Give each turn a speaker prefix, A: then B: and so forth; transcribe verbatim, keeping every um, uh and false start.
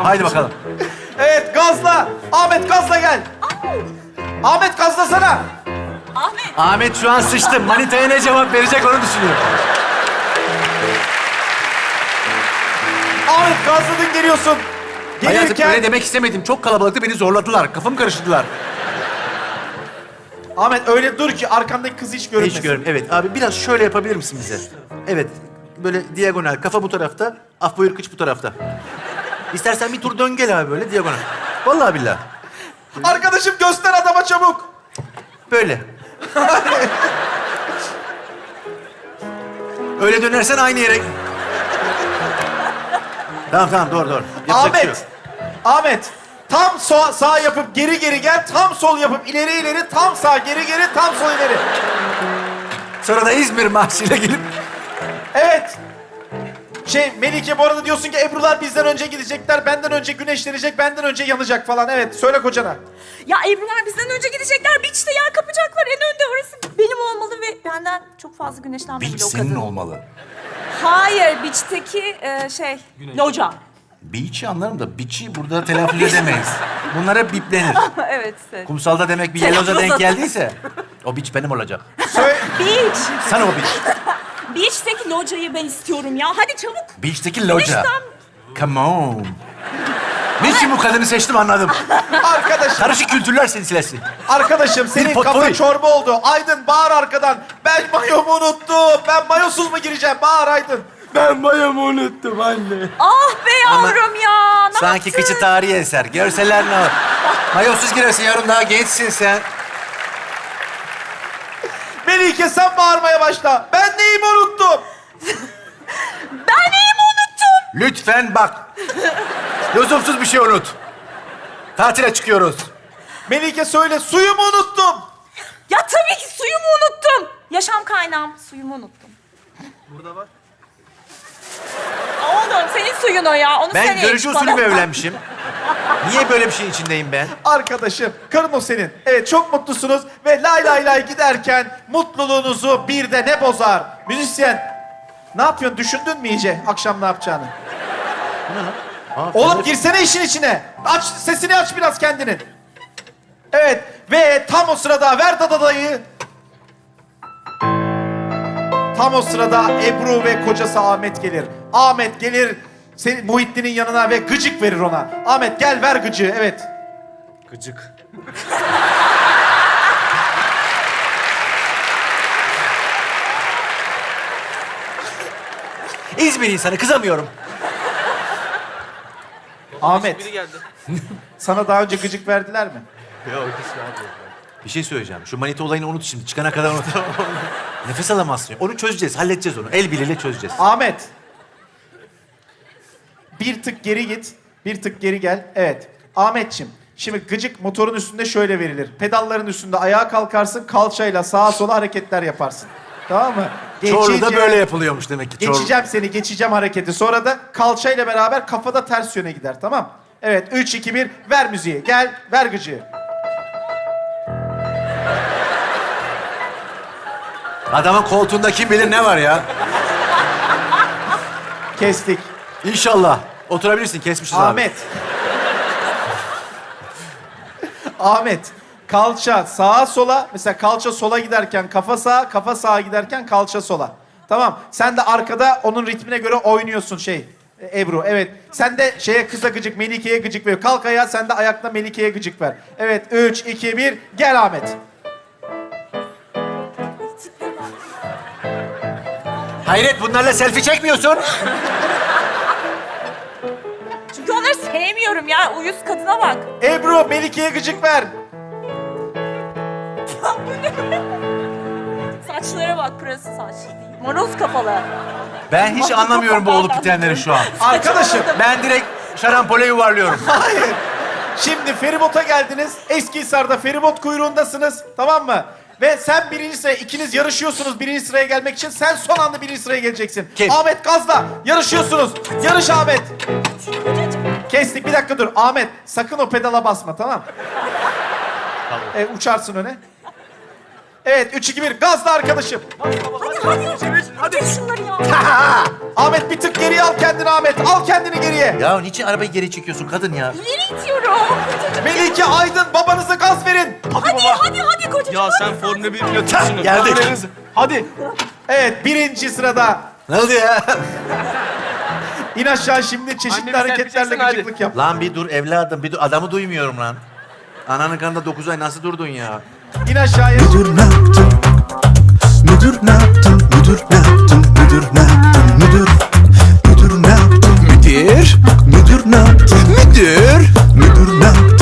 A: Haydi bakalım.
B: Evet, gazla. Ahmet gazla gel. Ahmet gazlasana.
C: Ahmet.
A: Ahmet şu an sıçtı. Manitaya ne cevap verecek onu düşünüyor.
B: Ahmet gazladın geliyorsun.
A: Hayatım
B: Gelirken...
A: öyle demek istemedim. Çok kalabalıktı, beni zorladılar. Kafamı karıştırdılar.
B: Ahmet öyle dur ki arkandaki kız hiç görünmesin.
A: Hiç görün. Evet abi biraz şöyle yapabilir misin bize? Evet. Böyle diagonal. Kafa bu tarafta. Af buyur kıç bu tarafta. İstersen bir tur dön gel abi böyle diagonal. Vallahi billahi.
B: Arkadaşım göster adama çabuk.
A: Böyle. Öyle dönersen aynı yere... Tamam tamam doğru doğru. Yapacak bir şey yok.
B: Ahmet. Ahmet. Tam sağ, sağ yapıp geri geri gel. Tam sol yapıp ileri ileri. Tam sağ geri geri. Tam sol ileri.
A: Sonra da İzmir marşıyla gelip...
B: Evet. Şey Melike bu arada diyorsun ki Ebru'lar bizden önce gidecekler. Benden önce güneşlenecek. Benden önce yanacak falan. Evet söyle kocana.
C: Ya Ebru'lar bizden önce gidecekler. Beach'te yer kapacaklar. En önde orası benim olmalı ve benden çok fazla güneşlenmemeli
A: Beach
C: o
A: senin
C: kadın.
A: olmalı.
C: Hayır, beach'teki e, şey, loca.
A: Beach'i anlarım da beach'i burada telaffuz edemeyiz. Bunlar hep biplenir.
C: Evet. evet.
A: Kumsalda demek bir yelloza denk geldiyse o beach benim olacak.
B: Söyle.
C: Beach.
A: Sana o beach.
C: Beach'teki locayı ben istiyorum ya. Hadi çabuk.
A: Beach'teki loca.
C: Güneşten-
A: Come on. Niçin bu kadını seçtim anladım.
B: Arkadaşım.
A: Karışık kültürler silsilesi.
B: Arkadaşım senin
A: potpourri.
B: kafa çorba oldu. Aydın bağır arkadan. Ben mayomu unuttum. Ben mayosuz mu gireceğim? Bağır Aydın.
A: Ben mayomu unuttum anne.
C: Ah be yavrum ya. Ne
A: Sanki
C: yaptın?
A: kıçı tarihi eser. Görseler ne olur. Mayosuz girersin yavrum, daha gençsin sen.
B: Melike sen bağırmaya başla. Ben neyimi unuttum?
C: Ben neyimi unuttum?
A: Lütfen bak. Lüzumsuz bir şey unut. Tatile çıkıyoruz.
B: Melike söyle suyumu unuttum.
C: Ya tabii ki suyumu unuttum. Yaşam kaynağım. Suyumu unuttum.
B: Burada var.
C: Oğlum senin suyun o ya. Onu sen
A: Ben
C: iç
A: görücü
C: bana.
A: usulü mü evlenmişim? Niye böyle bir şeyin içindeyim ben?
B: Arkadaşım karın o senin. Evet çok mutlusunuz ve lay lay lay giderken mutluluğunuzu bir de ne bozar? Müzisyen ne yapıyorsun? Düşündün mü iyice akşam ne yapacağını?
A: Aa,
B: Oğlum girsene işin içine. Aç sesini aç biraz kendinin. Evet ve tam o sırada ver dadadayı. Tam o sırada Ebru ve kocası Ahmet gelir. Ahmet gelir senin Muhittin'in yanına ve gıcık verir ona. Ahmet gel ver gıcığı evet.
A: Gıcık. İzmir insanı, kızamıyorum.
B: Ahmet. Sana daha önce gıcık verdiler mi?
A: Bir şey söyleyeceğim. Şu manita olayını unut şimdi. Çıkana kadar unut. Nefes alamazsın. Onu çözeceğiz, halledeceğiz onu. El birliğiyle çözeceğiz.
B: Ahmet. Bir tık geri git. Bir tık geri gel. Evet. Ahmetçim. Şimdi gıcık motorun üstünde şöyle verilir. Pedalların üstünde ayağa kalkarsın. Kalçayla sağa sola hareketler yaparsın. Tamam mı?
A: Çorlu'da
B: Geçeceğim-
A: böyle yapılıyormuş demek ki. Çorlu.
B: Geçeceğim seni. Geçeceğim hareketi. Sonra da kalçayla beraber kafada ters yöne gider. Tamam. Evet. Üç, iki, bir. Ver müziği. Gel. Ver gıcığı.
A: Adamın koltuğunda kim bilir ne var ya.
B: Kestik.
A: İnşallah. Oturabilirsin, kesmişiz
B: Ahmet. Ahmet. Kalça sağa sola. Mesela kalça sola giderken kafa sağa, kafa sağa giderken kalça sola. Tamam. Sen de arkada onun ritmine göre oynuyorsun şey. e, Ebru evet. Sen de şeye kıza gıcık, Melike'ye gıcık ver. Kalk ayağa sen de ayakla Melike'ye gıcık ver. Evet. Üç, iki, bir. Gel Ahmet.
A: Hayret, bunlarla selfie çekmiyorsun.
C: Çünkü onları sevmiyorum ya. Uyuz kadına bak.
B: Ebru Melike'ye gıcık ver.
C: Ya bu ne? Saçlara bak, pırası saç değil. Moroz kafalı.
A: Ben hiç anlamıyorum bu olup bitenleri şu an.
B: Arkadaşım.
A: Ben direkt şarampole yuvarlıyorum.
B: Hayır. Şimdi feribota geldiniz. Eskihisar'da feribot kuyruğundasınız. Tamam mı? Ve sen birinci sıraya, ikiniz yarışıyorsunuz birinci sıraya gelmek için. Sen son anda birinci sıraya geleceksin.
A: Kim?
B: Ahmet gazla. Yarışıyorsunuz. Yarış Ahmet. Kestik. Bir dakika dur. Ahmet sakın o pedala basma tamam. Tamam. E, uçarsın öne. Evet, üç, iki, bir. Gazla arkadaşım.
C: Hadi hadi. Hadi. Geç şunları ya.
B: Ahmet bir tık geriye al kendini Ahmet. Al kendini geriye.
A: Ya niçin arabayı geri çekiyorsun kadın ya?
C: İleri itiyorum.
B: Melike, Aydın, babanıza gaz verin.
C: Hadi hadi hadi kocacığım.
D: Ya sen Formula bir pilotusun.
A: Geldik.
D: Hadi.
B: Evet, birinci sırada.
A: Ne oldu ya?
B: İn aşağı şimdi çeşitli
D: Annemi
B: hareketlerle
D: serpeceksin, hadi.
B: gıcıklık yap.
A: Lan bir dur evladım, bir dur. Adamı duymuyorum lan. Ananın karnında dokuz ay nasıl durdun ya?
B: İn aşağıya.
E: Müdür ne yaptın? Müdür ne yaptın? Müdür ne yaptın? Müdür ne yaptın? Müdür. Müdür ne yaptın? Müdür. Müdür ne yaptın? Müdür. Müdür ne yaptın?